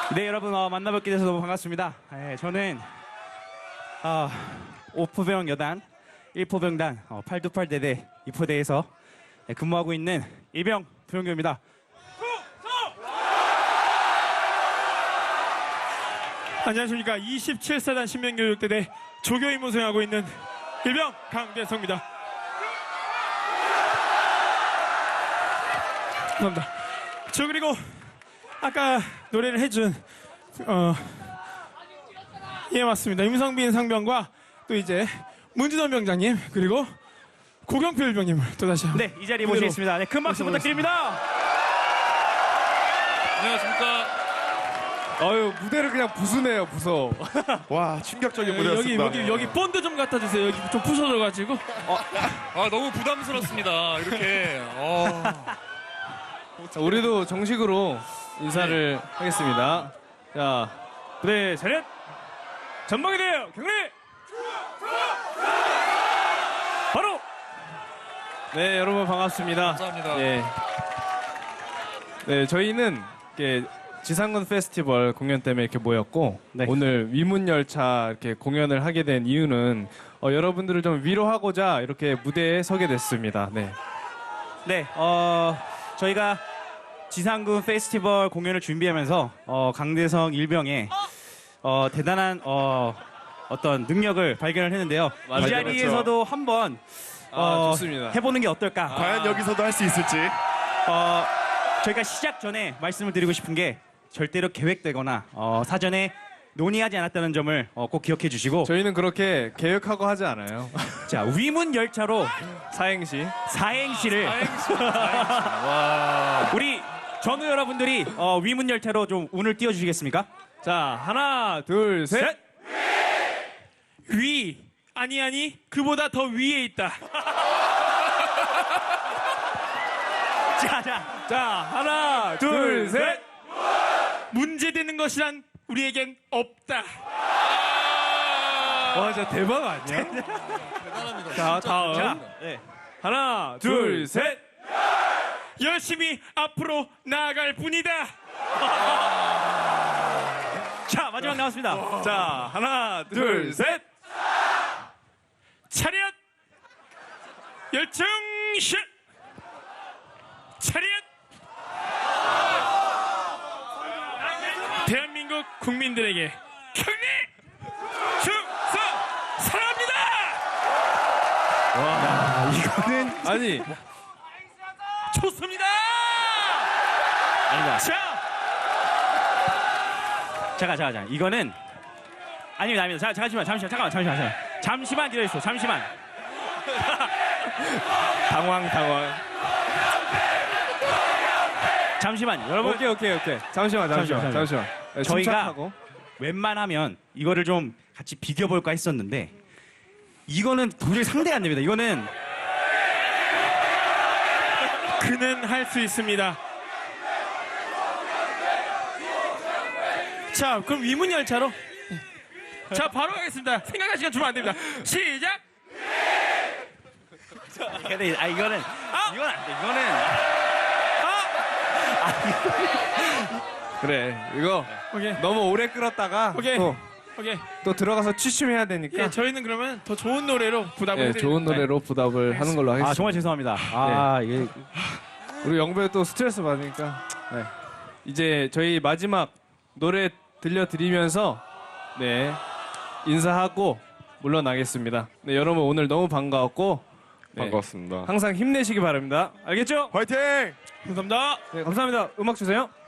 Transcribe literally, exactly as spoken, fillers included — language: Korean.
네, 여러분 어, 만나뵙게 돼서 너무 반갑습니다. 예, 저는 어, 오포병 여단 일 포병단 어, 팔십팔 대대 이 포대에서 예, 근무하고 있는 이병 부영규입니다. 안녕하십니까. 이십칠 사단 신명교육대대 조교임무 수행하고 있는 일병 강대성입니다. 감사합니다. 저 그리고 아까 노래를 해준 어, 예 맞습니다. 임성빈 상병과 또 이제 문진원 병장님 그리고 고경표 일병님을 또 다시 네, 이 자리에 그대로 모시겠습니다. 네, 큰 박수 부탁드립니다. 안녕하십니까. 아유, 무대를 그냥 부수네요, 부서. 와, 충격적인 여기 무대였습니다. 여기 여기 본드 좀 갖다 주세요. 여기 좀 부서져가지고. 아 너무 부담스럽습니다. 이렇게. 어. 자, 우리도 정식으로 인사를 하겠습니다. 자, 네, 차렷! 전방에 대하여 경례! 바로! 네, 여러분 반갑습니다. 감사합니다. 예. 네, 저희는 이렇게 지상군 페스티벌 공연 때문에 이렇게 모였고, 네. 오늘 위문열차 이렇게 공연을 하게 된 이유는 어, 여러분들을 좀 위로하고자 이렇게 무대에 서게 됐습니다. 네. 네, 어, 저희가 지상군 페스티벌 공연을 준비하면서 어, 강대성 일병의 어, 대단한 어, 어떤 능력을 발견을 했는데요. 맞아요. 이 자리에서도 한번 어, 아, 좋습니다. 해보는 게 어떨까? 과연 여기서도 할 수 있을지. 어, 저희가 시작 전에 말씀을 드리고 싶은 게 절대로 계획되거나 어, 사전에 논의하지 않았다는 점을 어, 꼭 기억해 주시고 저희는 그렇게 계획하고 하지 않아요. 자, 위문 열차로 사행시. 사행시를 우리 전우 여러분들이 어, 위문 열차로 좀 운을 띄워 주시겠습니까? 자, 하나, 둘, 셋. 셋! 위 아니 아니 그보다 더 위에 있다. 자, 자. 자, 하나, 둘, 셋. 문제되는 것이란 우리에겐 없다. 와, 진짜 대박 아니야? 자, 다음. 자, 네. 하나, 둘, 셋. 열심히 앞으로 나아갈 뿐이다. 자, 마지막 나왔습니다. 자, 하나, 둘, 셋. 차렷 열정실 차렷. 대한민국 국민들에게 경례 충성 사랑합니다. 이거는 아니, 좋습니다. 아니다. 자, 잠깐, 잠깐, 잠깐. 이거는 아닙니다, 아닙니다. 자, 잠시만, 잠시만, 잠깐만, 잠시만, 잠시만. 잠시만 기다려주세요. 잠시만. 당황, 당황. 잠시만, 여러분. 오케이, 오케이, 오케이. 잠시만, 잠시만, 잠시만, 잠시만. 네, 저희가- 침착하고. 웬만하면 이거를 좀 같이 비교볼까 했었는데 이거는 도저히 상대가 안 됩니다. 이거는 그는 할 수 있습니다. 자, 그럼 위문열차로. 자, 바로 가겠습니다. 생각할 시간 주면 안 됩니다. 시작. 근데 아 이거는 이건 안 돼. 이거는 그래, 이거 오케이. 너무 오래 끌었다가 오케이. 또, 오케이. 또 들어가서 취침해야 되니까 예, 저희는 그러면 더 좋은 노래로 부담을 예, 해드립니다. 좋은 노래로 부답을 하는 걸로 하겠습니다. 아 정말 죄송합니다. 아 이게 우리 영배 또 스트레스 받으니까 네. 이제 저희 마지막 노래 들려드리면서 네 인사하고 물러나겠습니다. 네, 여러분 오늘 너무 반가웠고 네, 반갑습니다. 항상 힘내시기 바랍니다. 알겠죠? 화이팅! 감사합니다. 네, 감사합니다. 음악 주세요.